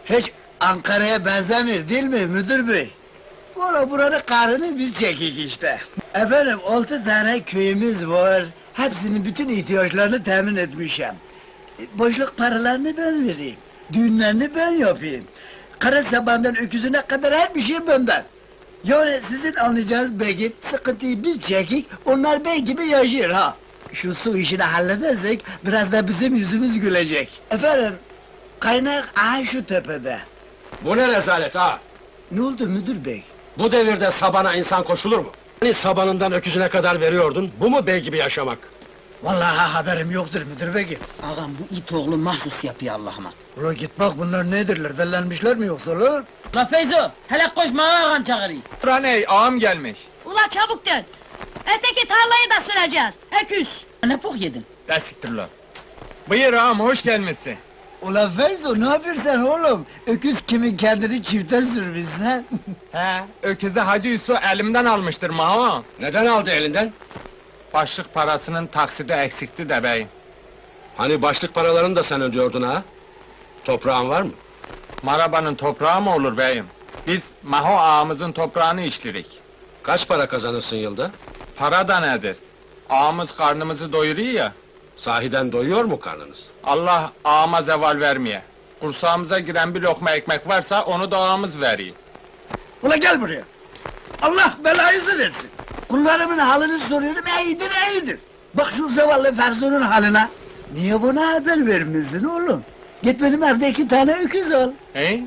Hiç Ankara'ya benzemiyor değil mi müdür bey? Valla buranın karını biz çekik işte. Efendim 6 tane köyümüz var. Hepsinin bütün ihtiyaçlarını temin etmişim. Boşluk paralarını ben vereyim. Düğünlerini ben yapayım. Kara sabandan öküzüne kadar her bir şey benden. Yani sizin anlayacağınız bey sıkıntıyı biz çekik, onlar bey gibi yaşıyor ha. Şu su işini halledersek, biraz da bizim yüzümüz gülecek. Efendim, kaynak aha şu tepede. Bu ne rezalet ha? Ne oldu müdür bey? Bu devirde sabana insan koşulur mu? Hani sabanından öküzüne kadar veriyordun, bu mu bey gibi yaşamak? Vallahi haberim yoktur müdür bey. Ağam bu it oğlu mahsus yapıyor Allah'ıma. Ula git bak bunlar nedirler, dellenmişler mi yoksa lan? La Feyzo, hele koşma ağam çağırıyor. Raney, ağam gelmiş. Ula çabuk dön! Öteki tarlayı da süreceğiz, öküz! Ne pok yedin? Desiktir lan. Buyur ağam, hoş gelmişsin. Ula Feyzo, ne yapıyorsun oğlum? Öküz kimin kendini çifte sürmüşsen? He, öküzü Hacı Yusuf elimden almıştır ağam. Neden aldı elinden? Başlık parasının taksidi eksikti de beyim. Hani başlık paralarını da sen ödüyordun ha? Toprağın var mı? Marabanın toprağı mı olur beyim? Biz Maho ağamızın toprağını işlirik. Kaç para kazanırsın yılda? Para da nedir? Ağamız karnımızı doyuruyor ya. Sahiden doyuyor mu karnınız? Allah ağama zeval vermeye. Kursağımıza giren bir lokma ekmek varsa onu da ağamız veriyor. Ula gel buraya! Allah belanızı versin! Kullarımın halini soruyorum, iyidir! Bak şu zavallı Ferzu'nun haline! Niye buna haber vermişsin oğlum? Git benim evde 2 tane öküz ol! He?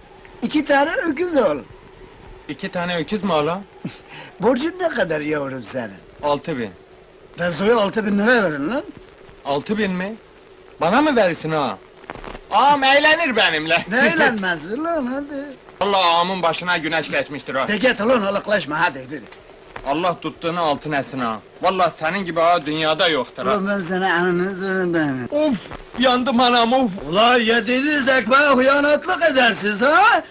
2 tane öküz ol! 2 tane öküz mü oğlum? Borcun ne kadar yavrum senin? 6000. Ferzu'ya 6.000 lira verin lan! 6000 mi? Bana mı verirsin ağam? Ağam eğlenir benimle. Ne eğlenmezsin lan hadi! Allah ağamın başına güneş geçmiştir ha. De git ulan alıklaşma hadi! Allah tuttuğunu altın etsin ha. Vallahi senin gibi ağa dünyada yoktur ha. Ulan ben sana ananı zorundayım! Of! Yandım anam of! Ulan yediğiniz ekmeğe hıyanatlık edersiniz ha!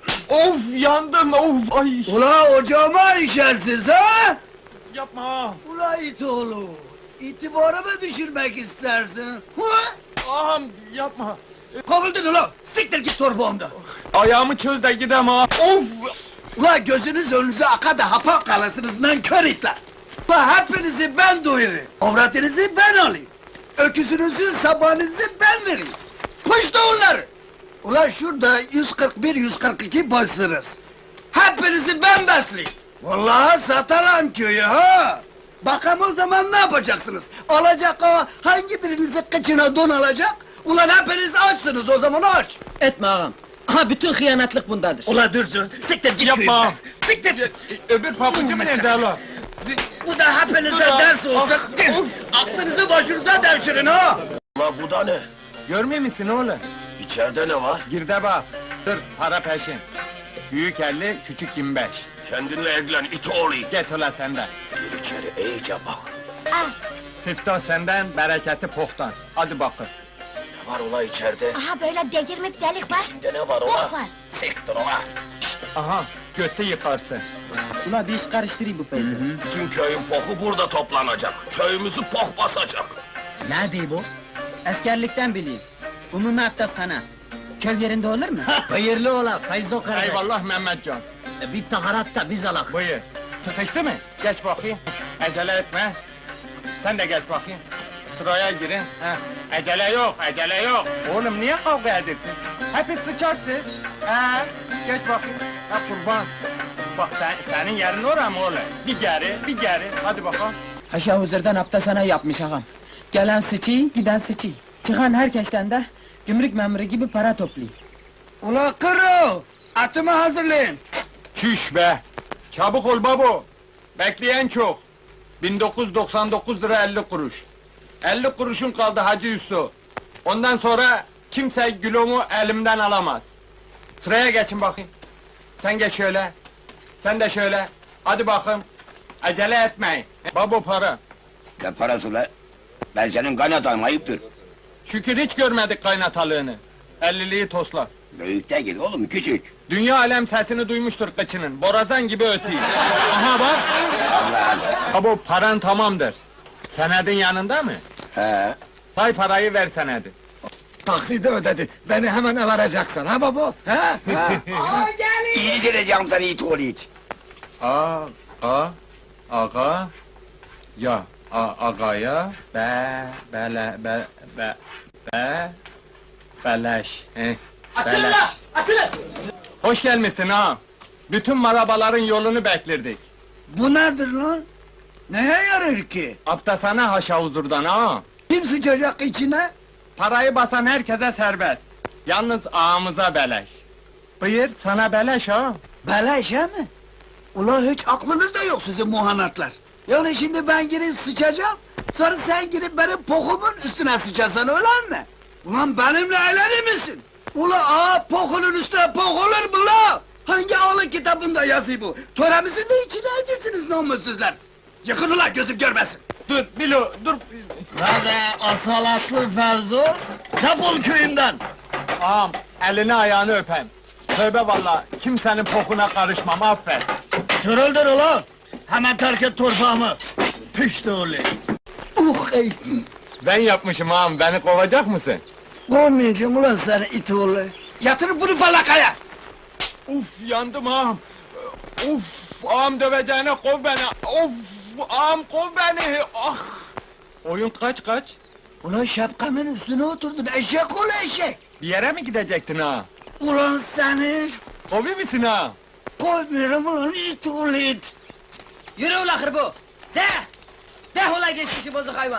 Of yandım of! Ay! Ula ocağıma işersiniz ha! Yapma ağam! Ula it oğlu! İtibarımı düşürmek istersin! Hı? Ağam yapma! Kovuldun ula! Siktir git torbağımda! Ayağımı çöz de gidem ha! Of! Ula gözünüz önünüze aka da hapa kalasınız nankör itler! Ula hepinizi ben doyurayım! Avratınızı ben alayım! Öküzünüzü, sabahınızı ben vereyim! Kuş da onları! Ula şurada 141-142 başsınız! Hepinizi ben besleyeyim! Vallahi satarım köyü ha! Bakalım o zaman ne yapacaksınız? Alacak o, hangi birinizi kıçına don alacak? Ulan hepiniz açsınız o zaman aç! Etme ağam. Aha bütün hıyanatlık bundadır. Ula dursun, siktir git Yapma! köyümden! Siktir! Öbür pabucu mu nerede hala? Bu da hepinize ders olsun! Aklınızı başınıza devşirin ha! Ulan bu da ne? Görmüyor musun oğlum? İçeride ne var? Gir de bak! Dur, para peşin! Büyük 50, küçük 25. Kendinle ilgilen it oğlu. Get ulan senden! Gir içeri iyice bak. Ah, Siftah senden, bereketi pohtan. Hadi bakın. Ne var ola içeride? aha böyle delirmek delik var. İçinde ne var Bok ola? var. Siktir ola. Aha, götü yıkarsın. Ula bir iş karıştırayım bu Feyzo. Bütün köyün poku burada toplanacak. Köyümüzü pok basacak. Ne diyor bu? Askerlikten bileyim. Umumi abdesthane. Köy yerinde olur mu? Hayırlı ola Feyzo kardeş. Eyvallah Mehmetcan. Bir taharat da biz alak. Buyur. Sıkıştı mı? Geç bakayım. Acele etme. Sen de geç bakayım. Sıraya girin. Heh. Acele yok, acele yok. Oğlum niye kavga edersin? Hepsi sıçarsın. Geç bakayım. Ha kurban. Bak senin yerin oraya mı oğlum? Bir geri, bir geri. Hadi bakalım. Haşa huzurdan abdesthane yapmış ağam. Gelen sıçıyı, giden sıçıyı. Çıkan herkesten de gümrük memuru gibi para toplayın. Ula kırı! Atımı hazırlayın! Çüş be! Çabuk ol babo! Bekleyen çok! 1999 lira 50 kuruş. 50 kuruşun kaldı Hacı Yusuf. Ondan sonra kimse gülümü elimden alamaz. Sıraya geçin bakayım. Sen geç şöyle. Sen de şöyle. Hadi bakın. Acele etmeyin. Babo para. Ne parası ulan? Ben senin kaynatan ayıptır. Şükür hiç görmedik kaynatalığını. 50'liği tosla. Büyük değil oğlum küçük. Dünya alem sesini duymuştur kıçının. Borazan gibi ötüyor. Aha bak! Allah Allah. Babo paran tamamdır. Senedin yanında mı? He. Say parayı ver senedi. Taksidi ödedi. Beni hemen varacaksın ha baba? Ha? Ha? İyice edeceğim seni it oğlu it. Aga, ya, agaya, beleş, Açılın la! Açılın! Hoş gelmişsin ha. Bütün marabaların yolunu beklerdik. Bu nedir lan? Neye yarar ki? Aptasana haşa huzurdan ha. Kim sıçacak içine? Parayı basan herkese serbest. Yalnız ağamıza beleş. Buyur, sana beleş ha. Beleş ha mi? Ulan hiç aklınızda yok sizin muhanatlar. Yani şimdi ben girip sıçacağım, sonra sen girip benim pokumun üstüne sıçasan öyle mi? Ulan benimle eğlenir misin? Ula pokunun üstüne pok olur mu la? Hangi ağlı kitabında yazıyor bu? Töremizin de içine edesiniz namussuzlar. Yıkın ulan gözüm görmesin. Dur, Bilo, dur. Hadi asalatlı Ferzo, defol köyümden! Ağam, elini ayağını öpem. Tövbe valla, kimsenin pokuna karışmam, affet. Sürüldür ulan! Hemen terk et torpağımı! Pişti oğlu! Ey! Ben yapmışım ağam, beni kovacak mısın? Kovmayacağım ulan seni it oğlu! Yatır bunu falakaya! Uf, yandım ağam. Uf, ağam döveceğine kov beni. Of, ağam kov beni. Ah! Oyun kaç? Ulan şapkamın üstüne oturdun, eşek oğlu eşek! Bir yere mi gidecektin ha? Ulan seni! Kovi misin ha? Koymuyorum ulan it oğlu it! Yürü ula hırbu! De! De ula geçmişi bozuk hayvan!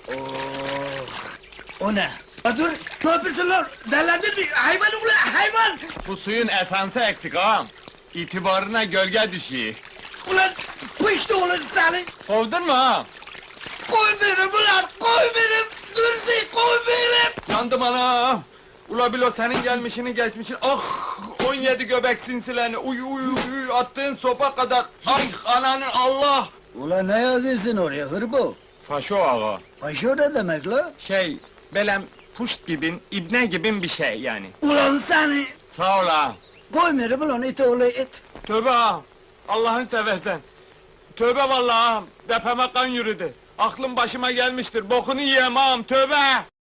O ne? Ya dur! Ne yapıyorsun lan? Delirdin mi? Hayvan ulan hayvan! Bu suyun esansı eksik ağam. İtibarına gölge düşüyor. Ulan pişti oğlum seni! Kovdun mu ha? Koy benim ulan! Koy benim! Dursun koy benim! Yandım anam! Ula Bilo senin gelmişini geçmişini, ah! 17 göbek sinsilerini, uy, attığın sopa kadar, ay ananın Allah! Ulan ne yazıyorsun oraya hırbo? Faşo ağa. Paşo ne demek la? Belem puşt gibin, ibne gibin bir şey yani. Ulan seni! Sağ ol ağam. Koymuyorum ulan it oğlu it! Tövbe ağam! Allah'ın seversen! Tövbe vallahi ağam! Depeme kan yürüdü! Aklım başıma gelmiştir, bokunu yiyem ağam, tövbe!